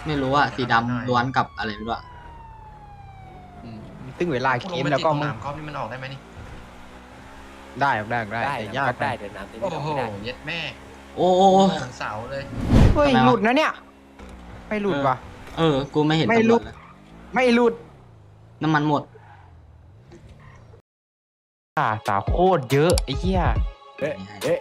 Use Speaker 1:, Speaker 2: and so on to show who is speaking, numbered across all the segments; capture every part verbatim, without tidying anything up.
Speaker 1: ไม่รู้อะสีดำล้วนกับอะไรไม่รู้อะ
Speaker 2: ตึ้งเวลาเกมแล้วก็มึง
Speaker 3: กอล์ฟนี่มันออกได้ไหมนี่
Speaker 2: ได้ได้ได้
Speaker 4: ได้
Speaker 2: แต่ยาก
Speaker 4: ได้เดี๋ยวน้ำเต็ม
Speaker 3: โอ้
Speaker 4: ที่
Speaker 3: โห
Speaker 4: ไม่ได้
Speaker 3: เย็ดแม่
Speaker 1: โอ้
Speaker 3: โอ้เสาเลย
Speaker 2: เฮ้ย
Speaker 1: ทำไมวะ
Speaker 2: หลุดนะเนี่ยไม่หลุดว่ะ
Speaker 1: เออ กูไม่เห็น
Speaker 2: ไม่
Speaker 1: ตำร
Speaker 2: รู้
Speaker 1: วจเลย
Speaker 2: ไม่หลุด
Speaker 1: น้ำมันหมด
Speaker 2: อ่าสาวโคตรเยอะไอ้เหี้ย
Speaker 4: เอ๊ะเอ๊ะ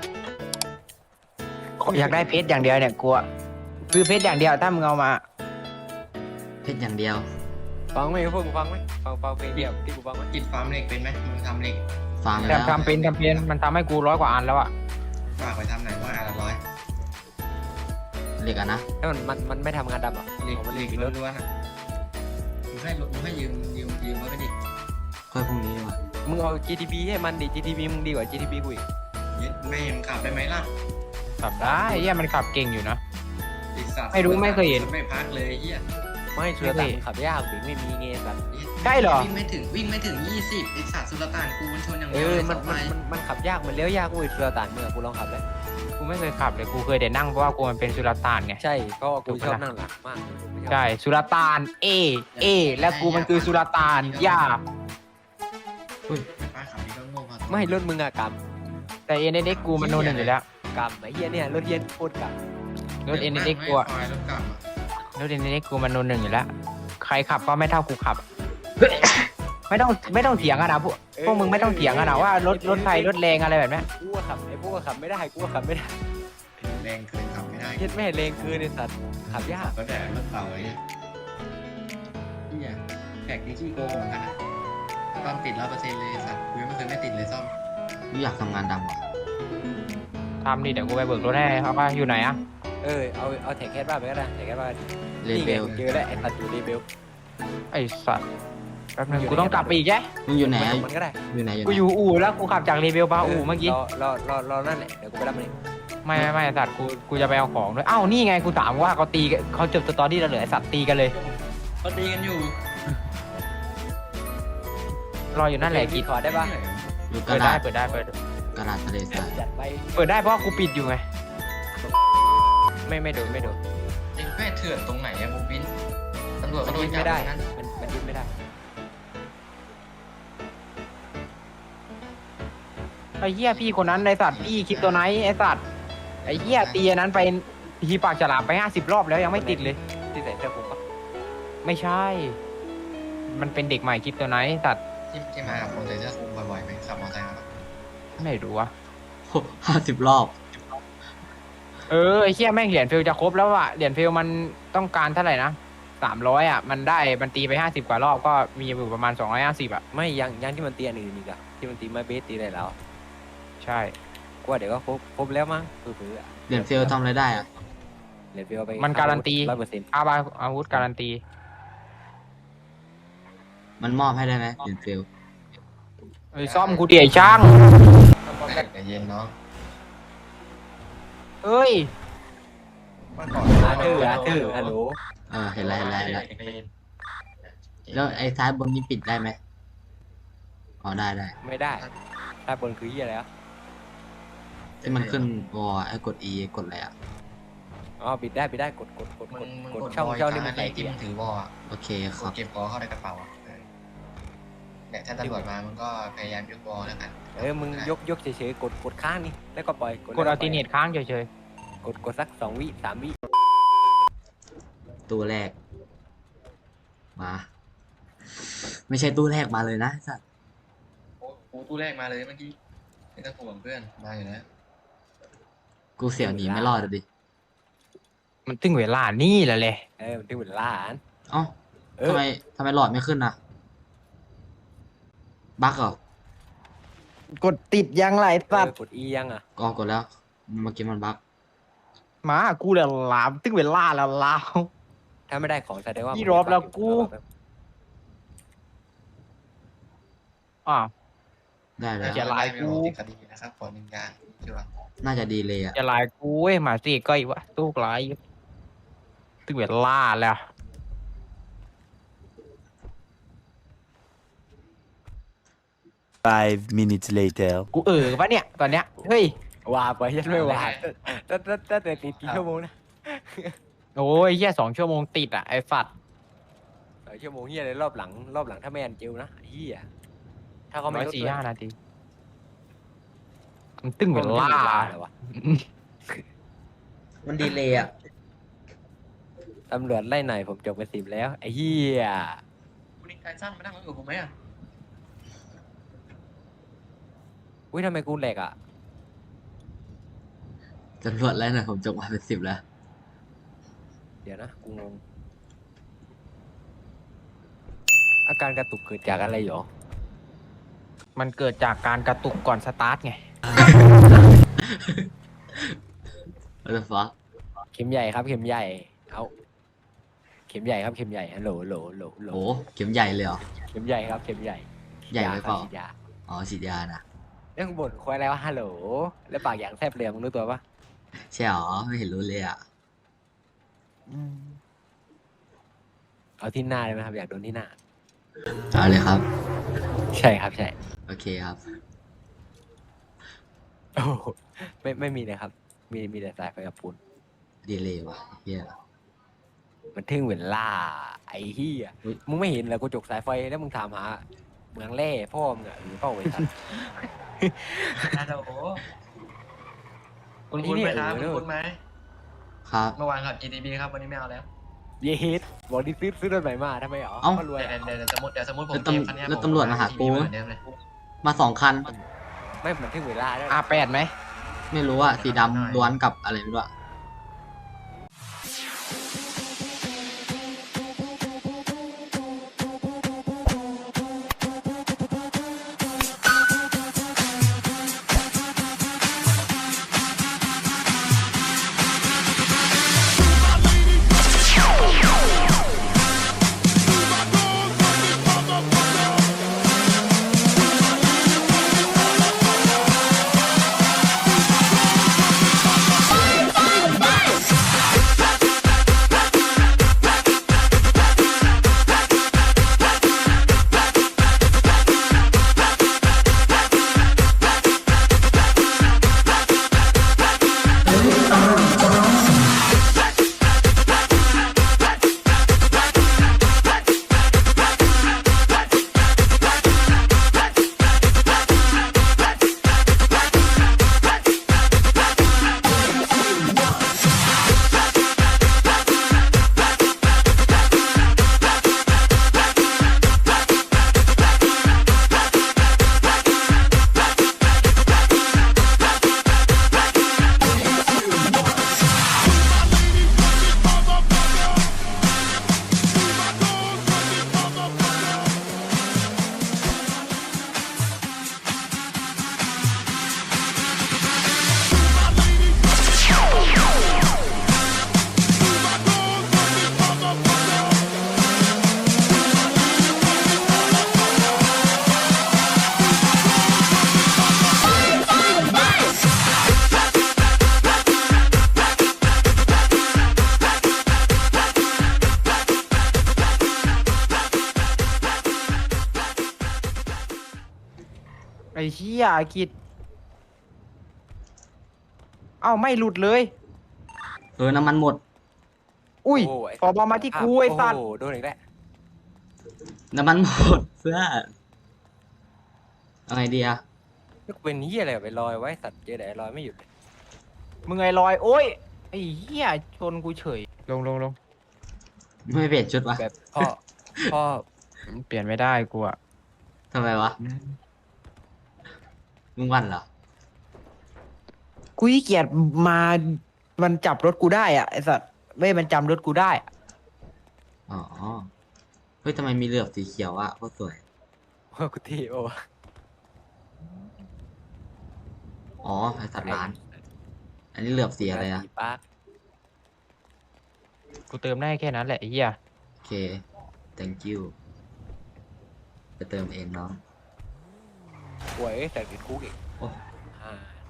Speaker 2: อยากได้เพชรอย่างเดียวเนี่ยกลัวคือเพชรอย่างเดียวถ้ามึงเอามา
Speaker 1: เพชรอย่างเดียว
Speaker 4: ฟังไหมพวกมึงฟังไหมฟังฟังเพลงเดียวที่กูฟังไหม
Speaker 3: กินฟาร์มเหล็กเป็นไหมมึงทำเหล็ก
Speaker 1: ฟัง
Speaker 2: แต่
Speaker 1: แล้ว
Speaker 2: ทำเป็นทำเป็นมันทำให้กูร้อยกว่าอันแล้วอะ
Speaker 3: ฝากไปทำไหนว่าอันละร้อย
Speaker 1: เหล็กอะนะ
Speaker 4: แล้วมันมันมันไม่ทำงานดำหรอ
Speaker 3: เหล็ก
Speaker 4: เอามัน
Speaker 3: เห
Speaker 4: เล็
Speaker 3: ล็
Speaker 4: ก
Speaker 3: ก
Speaker 4: อีกแล้ว
Speaker 3: ล้วนๆอ่ะมึงให้มึงให้ยืมยืมยืมไว้ก็ดิ
Speaker 1: ค่อยพรุ่งนี้ดีกว่า
Speaker 4: มึงเอา จี ที พี ให้มันดิ จี ที พี มึงดีกว่า จี ที พี กูอีก
Speaker 3: เย็ดแม่มึงขับได้ไหมล่ะ
Speaker 2: ขับได้ไอ้เหี้ยมันขับเก่งอยู่นะ
Speaker 3: อีกสัตว์
Speaker 2: ไม่รู้ไม่เคยเห็น
Speaker 3: ไม่พักเลยเฮีย
Speaker 4: ไม่เชื่อแต่มึงขับยากถึงไม่มีเงี้ยสัตว์
Speaker 2: ได้เหรอ
Speaker 3: วิ่งไม่ถึงวิ่งไม่ถึงยี่สิบอีกสัตว์สุลต่านกูมันชนอย่าง
Speaker 4: เอ
Speaker 3: เดียว
Speaker 4: อ
Speaker 3: เลย
Speaker 4: มัน
Speaker 3: สอง
Speaker 4: มัน
Speaker 3: ไม้
Speaker 4: มันมันขับยากมันเลี้ยวยากกูอีกเชื่อแต่เมื่อกูลองขับแล้ว
Speaker 2: กูไม่เคยขับเลยกูเคยแต่นั่งเพราะว่ากูมันเป็นสุลต่านไง
Speaker 4: ใช่เพราะว่ากูชอบนั่งหลังมาก
Speaker 2: ใช่สุลต่านเอเอและกูมันคือสุลต่านย่า
Speaker 3: ป้าขับนี่ก็โง่พอ
Speaker 4: ไม่รถมึงอะก
Speaker 2: แต่เอ็นเอ็กกูมันโนหนึ่งอยู่แล้ว
Speaker 4: ำกำไอ้เหี้ยเนี่ยรถเย็นโคตรกำ
Speaker 2: รถเอ็นเอ็กกูอะ
Speaker 3: ไฟรถกลับอะ
Speaker 2: รถเอ็นเอ็กกูมันโนหนึ่งอยู่แล้วใครขับก็ไม่เท่ากูขับ ไม่ต้องไม่ต้องเถียงกันนะพวกพวกมึงไม่ต้องเถียงกันนะว่ารถรถไฟรถแรงอะไรแบบนี้
Speaker 4: กูก็ขับไอ้พวกก็ขับไม่ได้กูก็ขับไม่ได้
Speaker 3: แรงเกินขับไม่ได้
Speaker 4: เย็ดแม่แรงคือในสัตว์ขับยาก
Speaker 3: ก็แต่รถเต่าไอ้เนี่ยเฮียแท็กนี่ขี้โกงเหมือนกันนะซ่อมติดร้อยเปอร์เซ็นต์เลยสัตว์กูยังไม่เคยไม่ติดเลยซ่อม
Speaker 1: กูอยากทำงานดำว่ะ
Speaker 2: ทำดิเดี๋ยวกูไปเบิกรถให้เขาว่าอยู่ไหนอะ
Speaker 4: เออเอาเอาแท็กแคสบ้านไปก็ได้แท็กแคสบ้าน
Speaker 1: เล
Speaker 4: นี่
Speaker 1: เบ
Speaker 4: ไง
Speaker 1: ล
Speaker 4: เจอแล้วไอ้สัตว์อยู่เลเบล
Speaker 2: ไอ้สัตว์แป๊บนึงกูต้องกลับไปอีกแก
Speaker 1: มึงอยู่ไหนอะ
Speaker 4: มันก็ได้
Speaker 1: อยู่ไหนอยู่ไห
Speaker 2: กู
Speaker 1: น
Speaker 2: อยู่อู่แล้วกูขับจากเรเบลมาอู่เมื่อกี้
Speaker 4: รอรอรอรอนั่นแหละเดี๋ยวกูไปรับมันเอง
Speaker 2: ไม่ไม่ไม่ไอ้สัตว์กูกูจะไปเอาของด้วยอ้าวนี่ไงกูถามว่าเขาตีกันเขาจบสตอรี่แล้วเหรอไอ้สัตว์ตีกันเลย
Speaker 3: ก็ตีกันอยู่
Speaker 2: รออยู่นั่นแหละกิ
Speaker 4: กี่
Speaker 2: น
Speaker 4: ขอได้ปะ
Speaker 1: อยู่ก
Speaker 2: เปิ
Speaker 1: ระ
Speaker 2: ดได้
Speaker 1: ดาษ
Speaker 2: เปิดได้เปิด
Speaker 1: กระดาษทะเลทราย
Speaker 4: จัดไป
Speaker 2: เปิดได้เพราะว่ากูปิดอยู่ไงไม่ไม่โดนไม่โดน
Speaker 3: ไอ้แม่เถื่อนตรงไหนอะบูบินตำรวจ
Speaker 4: มั
Speaker 3: ก็
Speaker 4: น
Speaker 3: โด
Speaker 4: ยึ
Speaker 3: น
Speaker 4: ด
Speaker 3: จับ
Speaker 4: ไม่ได้
Speaker 3: นั้น
Speaker 4: มันมันยึดไม่ได้
Speaker 2: ไอ้เหี้ยพี่คนนั้นไอ้สัตว์พี่คลิปตัวไหนไอ้สัตว์ไอ้เหี้ยตีอันนั้นไปทีปากฉลามไปห้าสิบรอบแล้วยังไม่ติดเลย
Speaker 4: ที่ใส่เสื้อคลุมปะ
Speaker 2: ไม่ใช่ มันเป็นเด็กใหม่คลิปตัวไหนสัตว์
Speaker 3: ที่ที่มากับคนใส่เสื้อคลุมบ่อยๆไหมขับมอเตอร์ไซค์มาปะ
Speaker 2: ไม่รู้วะ
Speaker 1: ห้าสิบรอบ
Speaker 2: เออไอ้เหี้ยแม่งเหรียญฟิลจะครบแล้วอะเหรียญฟิลมันต้องการเท่าไหร่นะสามร้อยอะมันได้มันตีไปห้าสิบกว่ารอบก็มีอยู่ประมาณสองร้อยห้าสิบอะ
Speaker 4: ไม่ยังยังที่มันตีอันอื่นอีกอะที่มันตีไม้เบสตีอะไรแล้ว
Speaker 2: ใช่
Speaker 4: กูว่าเดี๋ยวก็ครบครบแล้วมั้งคือๆอะ
Speaker 1: เหรียญเฟลทำอะไรได้อะ
Speaker 4: เหรียญเฟลไป
Speaker 2: มันการันตี
Speaker 4: ร้อยเปอร์เซ็นต์
Speaker 2: อาบาอาวุธการันตี
Speaker 1: มันมอบให้ได้ไหมเหรียญเฟล
Speaker 2: เอ้ยซ่อมกูดิไอ้ช่าง
Speaker 3: ใจเย็นเนาะ
Speaker 2: เอ้ย
Speaker 3: มาก่อน
Speaker 4: อาร์เธอร์อาร์เธอร์ฮัลโหล
Speaker 1: เออเห็นแล้วเห็นแล้วเห็นแล้วแล้วไอ้ซ้ายบนนี้ปิดได้ไหมอ๋อได้ได้
Speaker 4: ไม่ได้ถ้าบนคือยี่อะไรอ่ะ
Speaker 1: ที่มันขึ้นวอลไอ้กด E กดอะไรอ่ะ
Speaker 4: อ๋อปิดได้ปิดได้กดกดกด
Speaker 3: มึ
Speaker 4: ก
Speaker 3: ง
Speaker 4: ด
Speaker 3: มึง
Speaker 4: กด
Speaker 3: กด
Speaker 4: ช่อง
Speaker 3: บอย
Speaker 4: ช่องนี่
Speaker 3: มั
Speaker 4: มัน น
Speaker 3: ไหน
Speaker 4: ใส่
Speaker 3: ที่
Speaker 4: เกีย
Speaker 3: มึง
Speaker 4: ร์
Speaker 3: ถือวอลอะ
Speaker 1: โอเคค
Speaker 3: ก
Speaker 1: รั
Speaker 3: ด
Speaker 1: บ
Speaker 3: เก็บวอลเข้าในกระเป๋าอะเออเนี่ยถ้าตำรวจมามึงก็พยายามยกวอลแล้วกัน
Speaker 4: เออมึงยกยกเฉยๆกดกดค้างนี่แล้วก็ปล่อย
Speaker 2: กด
Speaker 4: แล้ว
Speaker 2: อัล
Speaker 4: ป
Speaker 2: ติ
Speaker 4: ล่ย
Speaker 2: เนตค้างเฉย
Speaker 4: กดกดสักสองวิสามวิ
Speaker 1: ตู้แรก มา ไม่ใช่ตู้แรกมาเลยนะไอ้สัตว์
Speaker 3: โอ้โหตู้แรกมาเลยเมื่อกี้ไม่ต้องห่วงเพื่อนมาอยู่แล้ว
Speaker 1: กูเสี่ยวหนีไม่รอดเลยดิ
Speaker 2: ๆมันตึงเวลานี่แหละเลย
Speaker 4: เออมันถึงเวลาอ่าน
Speaker 1: เอ้า
Speaker 4: เออ
Speaker 1: ทำไมทำไมหลอดไม่ขึ้นนะบั๊กเหรอก
Speaker 2: ดติดยังไรสัต
Speaker 4: เอ
Speaker 2: ว์
Speaker 4: อกดอียังอ่ะ
Speaker 1: ก็กดแล้ว เมื่อกี้มันบั๊ก
Speaker 2: หมากูเลยลามตึงเวลาแล้วลาว
Speaker 4: ถ้าไม่ได้ของแสดงว่า
Speaker 2: พี่
Speaker 4: มึง
Speaker 2: รอบแล้วกู อ่าว
Speaker 1: ได้แล้ว
Speaker 2: อย่าไลน์กู
Speaker 3: ติดคดีนะครับขอหนึ่งอย่างใช่ป่ะ
Speaker 1: น่าจะดีเลยอ่ะ
Speaker 2: จะลายกูเว้ยหมาสิก็อีกวะตู้กลายตึงเวลาแล้ว
Speaker 5: Five minutes later.
Speaker 2: กูเออปะเนี่ยตอนเนี้ยเฮ้ย
Speaker 4: ว่าไปยันไม่ว่าตั้งตั้งตั้งแต่ตีกี่ชั่วโมงนะ
Speaker 2: โอ้ยเฮียสองชั่วโมงติดอ่ะไอ้สัตว์
Speaker 4: เออชั่วโมงเฮียเลยรอบหลังรอบหลังถ้าไม่อันจิวนะเฮียถ้าเขา
Speaker 2: ร้
Speaker 4: ไม่
Speaker 2: อย
Speaker 4: ลด
Speaker 2: สี่
Speaker 4: ด้วย
Speaker 2: ห้านาทีมันตึ้ง
Speaker 4: มั
Speaker 2: เป็น น
Speaker 4: ไม่
Speaker 2: ล่า
Speaker 4: มีเวลาเลยวะ
Speaker 3: มันดีเลยอ่ะ
Speaker 4: ตำรวจไล่หน่อยผมจบไปสิบแล้วไอ้เฮีย
Speaker 3: คุณนิกไทสันมานั่งรถกับผมไหมอ่ะ
Speaker 4: อุ้ยทำไมกูแหลกอ่ะ
Speaker 1: ตำรวจแล้วนะผมจบมาเป็นสิบแล้ว
Speaker 4: เดี๋ยวนะกูงงอาการกระตุกเกิดจากอะไรหรอ
Speaker 2: มันเกิดจากการกระตุกก่อนสตาร์ทไง
Speaker 1: what the fuck
Speaker 4: เข็มใหญ่ครับเข็มใหญ่เอาเข็มใหญ่ครับเข็มใหญ่ฮัลโหลโหลโหลโหล
Speaker 1: โอ้เข็มใหญ่เลยเหรอ
Speaker 4: เข็มใหญ่ครับเข็มใหญ่
Speaker 1: ใหญ่ไปเปล่า
Speaker 4: ฉีดยา
Speaker 1: อ๋อฉีดยานะ
Speaker 4: เรื่องบ่นควายแล้วฮัลโหลแล้วปากอย่างแทบเลยมึงรู้ตัวปะ
Speaker 1: ใช่หรอไม่เห็นรู้เลยอ่ะ
Speaker 4: เอาที่หน้าเลยไหมครับอยากโดนที่หน้า
Speaker 1: เอาเลยครับ
Speaker 4: ใช่ครับใช่
Speaker 1: โอเคครับ
Speaker 4: โอ้โหไม่ไม่มีเลยครับ มีมีแต่สายไฟกับปูน
Speaker 1: ดีเลยว่ะเฮีย
Speaker 4: มันทึ่งเวลาไอ้เหี้ย
Speaker 1: อุ๊ย
Speaker 4: มึงไม่เห็นเหรอกูจกสายไฟแล้วมึงถามหาเมืองแร่พ่อมึงอะหรือเปล่าไอ้สัตว์
Speaker 3: ฮัลโหลคุณคุณไหมครับคุณคุณไหม
Speaker 1: ครับ
Speaker 3: เมื่อวานขับ จี ที บี ครับวันนี้ไม่เอาแล้ว
Speaker 4: เยสบอกดิซื้อซื้อรถใหม่มาทำไมหรอ
Speaker 1: เอ้า
Speaker 4: ก็รวย
Speaker 3: เดี๋ยว
Speaker 4: อะ
Speaker 3: เดี๋ยวเดี๋ยวสมมติเดี๋ยวสมมติผม
Speaker 1: แล้วตำ
Speaker 3: เก็บคันเนี้ย
Speaker 1: แล้ว
Speaker 3: ผ
Speaker 1: ตำรวจมาหากู
Speaker 3: เหมือนเดิมเลย
Speaker 1: มาสองคัน
Speaker 4: ไม่มันทึ่งเวลาด้วย
Speaker 2: อาแปดไหม
Speaker 1: ไม่รู้อ่ะสีดำล้วนกับอะไรไม่รู้อะ
Speaker 2: ไอ้เชี่ยอากิจเอ้าไม่หลุดเลย
Speaker 1: เออน้ำมันหมด
Speaker 2: อุ้ย
Speaker 4: โไ
Speaker 2: ปอบอมาที่กูไอ้สัตว์
Speaker 4: โอ้โหโดนอีกแล้ว
Speaker 1: น้ำมันหมดเพื่อนเอาไงดีอะ
Speaker 4: นี่กูเป็นเหี้ยอะไรไปลอยไว้สัตว์เจอแต่ไอ้ลอยไม่หยุดเลย
Speaker 2: มึงไอ้ลอย โอ้ยไอ้เหี้ยชนกูเฉย ลงลงลง
Speaker 1: ไม่เปลี่ยนชุดวะ
Speaker 4: แบบพ่อพ่อ
Speaker 2: เปลี่ยนไม่ได้กูอะ
Speaker 1: ทำไมวะมึงวันเหรอ
Speaker 2: กูขี้เกียจมา มันจับรถกูได้อะไอ้สัตว์เว้ยมันจำรถกูได้อะ
Speaker 1: อ๋อเฮ้ยทำไมมีเหลือบสีเขียวอะโคตรสวย
Speaker 4: พ่อกูที่โอ้
Speaker 1: อ๋อไอสัตว์ร้าน อันนี้เหลือบสีอะไรอะ
Speaker 4: สีปาร์ค
Speaker 2: กูเติมได้แค่นั้นแหละไอ้เหี้ย
Speaker 1: โอเค thank you ไปเติมเองเนาะ
Speaker 4: ป่วยแต่ติดคุกอีก
Speaker 1: โอ้
Speaker 4: อ่า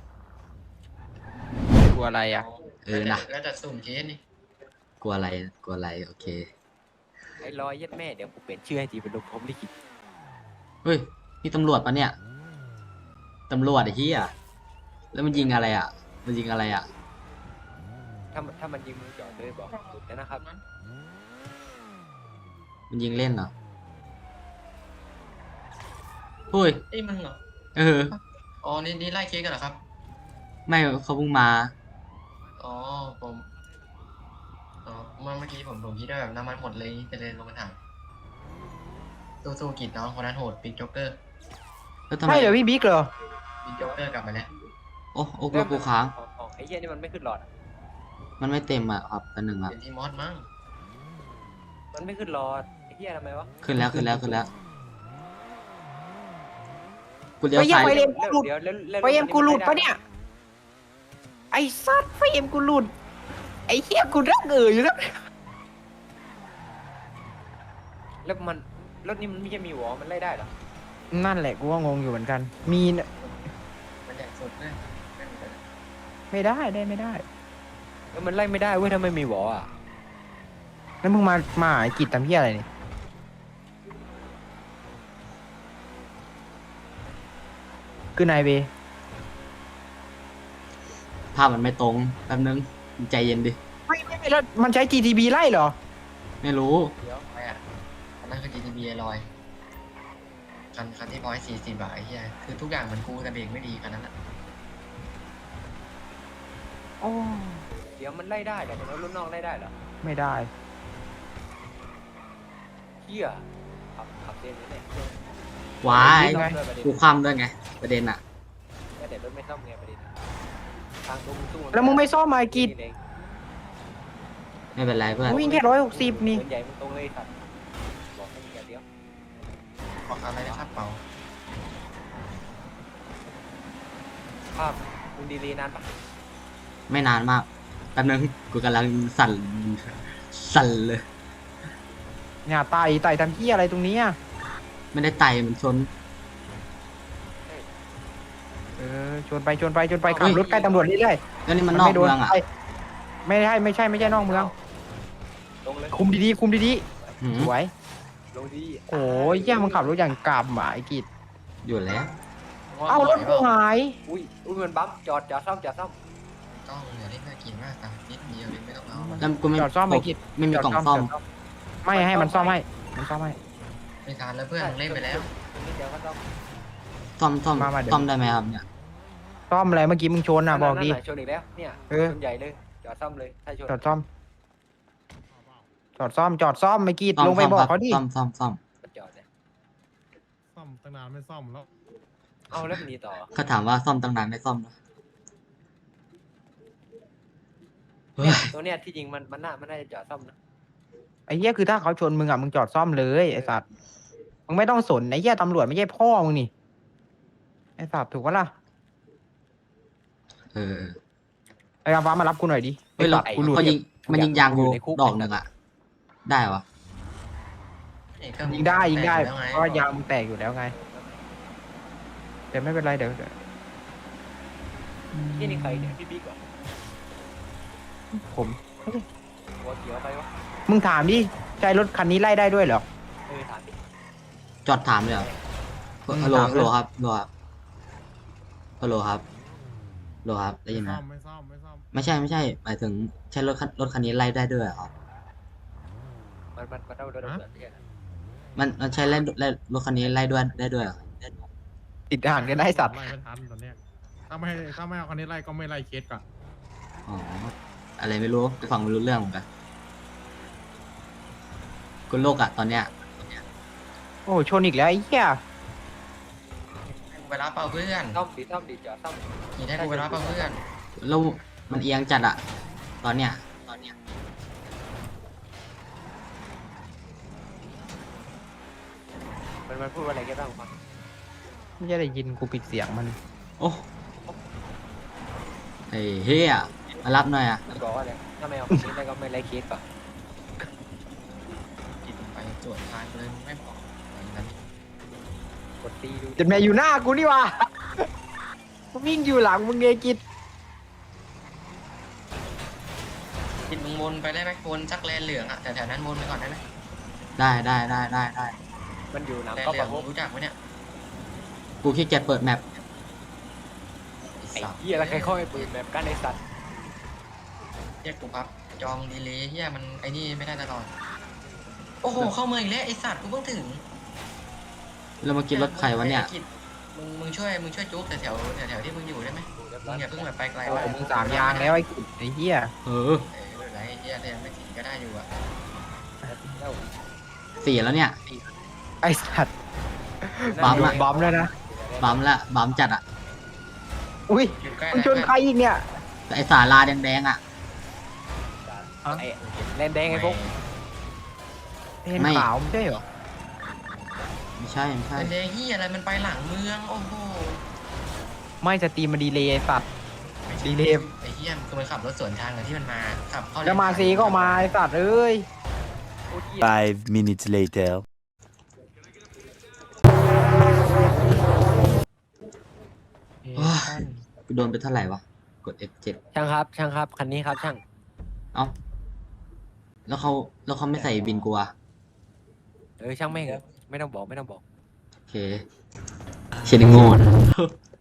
Speaker 2: กูอะไรอะ
Speaker 1: เออนะ
Speaker 3: แล้วแต่สุ่มเคสนี่
Speaker 1: กลัวอะไรกลัวอะไรโอเค
Speaker 4: ไอ้ลอยยัดแม่เดี๋ยวกูเปลี่ยนชื่อให้ทีเป็นลมพรหมลิขิต
Speaker 1: เฮ้ยนี่ตำรวจปะเนี่ยตำรวจไอ้เหี้ยแล้วมันยิงอะไรอะมันยิงอะไรอะ
Speaker 4: ถ้ามันถ้ามันยิงมึงจอดเลยบอกหยุดเลยนะครับ
Speaker 1: มันยิงเล่นเหรอเฮ้ย
Speaker 3: เอ้ยมึงเหรอ
Speaker 1: เออ
Speaker 3: อ๋อนี่นี่ไล่เค้กกันเหรอครับ
Speaker 1: ไม่เขาเพิ่งมา
Speaker 3: อ๋อผมอ๋อเมื่อเมื่อกี้ผมผมคิดว่าแบบน้ำมันหมดเลยจะเลยลงมาถามสู้ๆกิจน้องคนนั้นโหดบิ๊กจ็อกเกอร์
Speaker 1: แล้วทำไม
Speaker 2: ใช่เหรอพี่บิ๊กเหรอ
Speaker 3: บิ๊กจ็อกเกอร์กลับมาแล้ว
Speaker 1: โอ้โอ้กูกูค้าง
Speaker 4: ของของไอ้เหี้ยนี่มันไม่ขึ้นหลอดอะ
Speaker 1: มันไม่เต็มอ่ะครับตันหนึ่งอ่ะ
Speaker 3: เป็นที่มอสมั้ง
Speaker 4: มันไม่ขึ้นหลอดไอ้เหี้ยทำไมวะ
Speaker 1: ขึ้นแล้วขึ้นแล้วขึ้นแล้วกูเลี้ยว
Speaker 2: ไปยัง
Speaker 1: ซ้าย
Speaker 2: ไปเลย
Speaker 4: แล้วเดี๋ยวแล้วแล้ว
Speaker 2: ไฟเอ็มกูหลุดปะเนี่ย ไอ้สัตว์ไฟเอ็มกูหลุด ไอ้เหี้ยกูรักเอ๋ยอยู่แล้ว
Speaker 4: แล้วมันรถนี้มันไม่ใช่มีหัวมันไล่ได้เหรอ
Speaker 2: นั่นแหละกูก็งงอยู่เหมือนกัน มีน
Speaker 3: มันใหญ่สุดเลย
Speaker 2: ไม่ได้ได้ไม่ได้
Speaker 4: เออมันไล่ไม่ได้เว้ยถ้าไม่มีหัวอ่ะ
Speaker 2: แล้วมึงมามาไอ้กิจทำเหี้ยอะไรนี่คือนายเบ
Speaker 1: ภาพมันไม่ตรงแป๊บนึงใจเย็นดิ
Speaker 2: ไม่ไม่ไม่แล้วมันใช้ จี ที บี ไล่เหรอ
Speaker 1: ไม่รู้
Speaker 4: เดี๋ยว
Speaker 3: ไม่อ่ะอันนั้นคือ จี ที บี ลอยคันคันที่ร้อยสี่สิบบาทไอ้เหี้ยคือทุกอย่างเหมือนกูแต่เบรกไม่ดีคันนั้นอ่ะ
Speaker 2: โอ้
Speaker 4: เดี๋ยวมันไล่ได้แต่รถรุ่นนอกไล่ได้เหรอ
Speaker 2: ไม่ได้
Speaker 4: เหี้ยขับขับเส้นนี้เนี่ย
Speaker 1: ว้าย
Speaker 2: ไง
Speaker 1: กูคว่ำด้วยไง ประเด็นอ่ะ
Speaker 4: แต่เดี๋ยวรถไม่ซ่อมไงประเด็นอะทางตรงตู้
Speaker 2: แล้วมึงไม่ซ่อมมาไอ้กิจ
Speaker 4: เอง
Speaker 1: ไม่เป็นไรเพื่อน
Speaker 2: วิ่งแค่ร้อยหกสิบนี่
Speaker 4: เดินใหญ่มันตรงเลยสัตว์บอกให้มึงอย่าเดี๋ยว
Speaker 3: ขออะไรนะครับเปล่า
Speaker 4: ภาพมึงดีลีนานปะ
Speaker 1: ไม่นานมากแป๊บนึงกูกำลังสั่นสั่นเลย
Speaker 2: เนี่ยไต่ไต่ทำเหี้ยอะไรตรงนี้อ่ะ
Speaker 1: ไม่ได้ไต่มันชน
Speaker 2: เออชวนไปชวนไปชวนไปขับรถใกล้ตำรวจเรื่อย
Speaker 1: แล้วนี่
Speaker 2: ๆ
Speaker 1: มันนอก
Speaker 2: ไโด
Speaker 1: เมืองอ่ะ
Speaker 2: ไปไม่ใช่ไม่ใช่ไม่ใช่นอกเมือง
Speaker 4: ลงเลย
Speaker 2: คุมดีๆคุมดี
Speaker 1: หืม
Speaker 2: ๆสวย
Speaker 4: ลงดี
Speaker 2: โอ้ยเหี้ยมึงขับรถอย่างกำอ่ะไอ้กิจ
Speaker 1: อยู่แล้ว
Speaker 2: เอารถกูหาย
Speaker 4: อุ้ยอุ้ยมันบั๊มจอดจอดซ่อมจอดซ่อม
Speaker 3: ต้องเดี๋ยวเล่นน่ากินมากตังนิดเดียวเองไม่ต้องเอา
Speaker 1: แล้วกูไม่
Speaker 2: จอดซ่อมไอ้กิจ
Speaker 1: ไม่มีกล่องซ่อม
Speaker 2: จดไม่ให้มันซ่อมให้มันซ่อมให้
Speaker 3: ไม่ทานแล้วเพื่อนมึงเล่นไปแล้ว
Speaker 4: นิดเดียวก็ซ่อม
Speaker 1: ซ่อมซ่อม
Speaker 2: มามาเดี๋ยว
Speaker 1: ซ่อมได้ไหมครับเนี่ย
Speaker 2: ซ่อมอะไรเมื่อกี้มึงชนอ่ะบอกดี
Speaker 4: นั่นน่ะชนอีกแล้วเนี่ย
Speaker 2: เออ
Speaker 4: ชนใหญ่เลยจอดซ่อมเลยถ้าชน
Speaker 2: จอดซ่อม จอดซ่อมจอดซ่อมไม่กีด
Speaker 1: ซ่อม
Speaker 2: ลงไป
Speaker 1: ซ่อม
Speaker 2: บอ
Speaker 1: ค
Speaker 2: ก
Speaker 1: รับ
Speaker 2: เขาดิ
Speaker 1: ซ่อมซ่อมซ่อม
Speaker 4: มันจอดเนี่ย
Speaker 5: ซ่อมตั้งนานไม่ซ่อมแล้ว
Speaker 4: เอาแล้วมันหนีต่อ
Speaker 1: เขาถามว่าซ่อมตั้งนานไม่ซ่อมเหรอเฮ้ย
Speaker 4: เนี่ยตัวเนี้ยที่จริงมันมันน่ามันน่าจะจอดซ่อมนะ
Speaker 2: ไอ้เหี้ยคือถ้าเขาชนมึงอ่ะมึงจอดซ่อมเลยไอ้สัตว์มึงไม่ต้องสนไอ้เหี้ยตำรวจไม่ใช่พ่อมึงนี่ไอ้สัตว์ถูกปะล่ะ
Speaker 1: เออ
Speaker 2: ไอ้อาฟ้ามารับกูหน่อยดิ
Speaker 1: เฮ้ยเรา
Speaker 2: ไอ้สัตว์กูหลุด
Speaker 1: เขายิงมันยิงยางกูดอกหนึ่งอ่ะ ได้วะ
Speaker 2: ยิงได้ยิงได้
Speaker 3: แล้วไง
Speaker 2: เพราะว่ายางมึงแตกอยู่แล้วไงแต่ไม่เป็นไรเดี๋ยวเดี๋ยว
Speaker 4: ที่นี่ใครเนี่ยพี่บิ๊กเหรอ
Speaker 2: ผม
Speaker 4: หัวเขียวไปวะ
Speaker 2: มึงถามดิใช้รถคันนี้ไล่ได้ด้วยเหรอ
Speaker 4: เออถามดิ
Speaker 1: จอดถามเลยเหรอ
Speaker 2: อืม
Speaker 1: ฮัลโหล
Speaker 2: ถาม
Speaker 1: ฮัล
Speaker 2: เลย
Speaker 1: โหลครับฮัลโหลครับฮัลโหลครับฮัลโหลครับได้ยินไหม
Speaker 5: ซ่อมไม่ซ่อมไม่ซ่อม
Speaker 1: ไม่ใช่ไม่ใช่หมายถึงใช้รถคันรถคันนี้ไล่ได้ด้วยเหรอครับ
Speaker 4: มันมันมันเอาโดนระเบิดเนี่ย
Speaker 1: มันมันใช้ไล่ไล่รถคันนี้ไล่ด้วยได้ด้วยเหรอ
Speaker 2: ติดห่างกันได้สัตว์
Speaker 5: ไล่ไม่ทันตอนเนี้ยถ้าไม่ถ้าไม่เอาคันนี้ไล่ก็ไม่ไล่เคสก่อน
Speaker 1: อ๋ออะไรไม่รู้กูฟังไม่รู้เรื่องเหมือนกันกูโลกอะตอนเนี้ย
Speaker 2: โอ้ชนอีกแล้วไอ้เหี้ย
Speaker 3: ให้กูไปรับเปล่าเพื่อน
Speaker 4: ซ่อมดิซ่อมดิจอดซ่อม
Speaker 3: ขี่ให้กูไปรับเปล่าเพื่อน
Speaker 1: แล้วมันเอียงจัดอะตอนเนี้ยตอนเนี้ย
Speaker 4: มันมันพูดว่าอะไรกันบ้างฟัง
Speaker 2: ไม่ได้ยินกูปิดเสียงมัน
Speaker 1: โอ้ไอ้เฮียมารับหน่อยอะ
Speaker 4: มันบอกว่าอะไรถ้าไม่เอาคนนี้ได้ก็ไม่ไล่เคสป่ะ
Speaker 3: กินไปตรวจทานเลยไม่บอกอะไรนั้น
Speaker 4: กดตีดู
Speaker 2: จนแม่อยู่หน้ากูนี่วะวิ่งอยู่หลังมึงเงกิด
Speaker 3: กินมึงวนไปได้ไหมวนสักแลนเหลืองอ่ะแต่แถวนั้นวนไปก่อนได้ไหม
Speaker 1: ได้ได้ได้ได้ได้
Speaker 4: มันอยู่หนัง
Speaker 3: แลน
Speaker 4: ก็
Speaker 3: เหลื
Speaker 4: ป
Speaker 3: อง
Speaker 4: ระกบ
Speaker 3: รู้จักไหมเนี่ย
Speaker 1: กูขี้เกียจเปิดแมป
Speaker 4: ไอ้เหี้ยแล้วใครเข้าไปปืนแบบกันไอ้สัตว์
Speaker 3: เรียกกูพับจอมดีเลยเฮียมันไอ้นี่ไม่ได้ตลอดโอ้โหเข้าเมืองอีกแล้วไอสัตว์กูเพิ่งถึง
Speaker 1: แล้วมากินรถใครวะเนี่ย
Speaker 3: มึงมึงช่วยมึงช่วยจุ๊บแถวแถวแถวแถวที่มึงอยู่ได้ไหมมึงอย่าเพิ่งแบบไปไกล
Speaker 2: โอ้
Speaker 3: ว่า
Speaker 2: มึงสามยางแล้วไอ้กิจไอ้เหี้ย
Speaker 1: เออ
Speaker 3: เออไม่เป็นไรเฮียแต่ยังไม่ถึงก็ได้อยู่อะ
Speaker 1: สี่แล้วเนี่ย
Speaker 2: ไอ้สัตว์
Speaker 1: บัมอะ
Speaker 2: บัมแล้วนะ
Speaker 1: บัมละบัมจัดอะ
Speaker 2: อุ้ย
Speaker 3: อยู่ใกล้
Speaker 2: มึงชนใครอีกเนี่ย
Speaker 1: แต่ไอสาลาแดงๆอะ
Speaker 4: ไอ้แลนแดงไอ้พวก
Speaker 2: เห็นขาวไม่ใช่เหรอ
Speaker 1: ไม่ใช่ไม่ใช่
Speaker 3: เป็นแดงเฮียอะไรมันไปหลังเมืองโอ้โห
Speaker 2: ไม่สตรีมมันดีเลยไอ้สัตว์ ดีเลย
Speaker 3: ไอ้เฮียคือมันขับรถสวนทางกับที่มันมาขับเข้า
Speaker 2: จะมาซีก็มาไอ้สัตว์เอ้ย
Speaker 6: Five minutes later.
Speaker 1: กูโดนไปเท่าไหร่วะ กด เอฟ เจ็ด
Speaker 4: ช่างครับ ช่างครับ คันนี้ครับช่าง
Speaker 1: เอ้า แล้วเขาแล้วเขาไม่ใส่บินกูอะ
Speaker 4: เออช่างแม่งเถอะไม่ต้องบอกไม่ต้องบอก
Speaker 1: โอเคเชนโง่นะ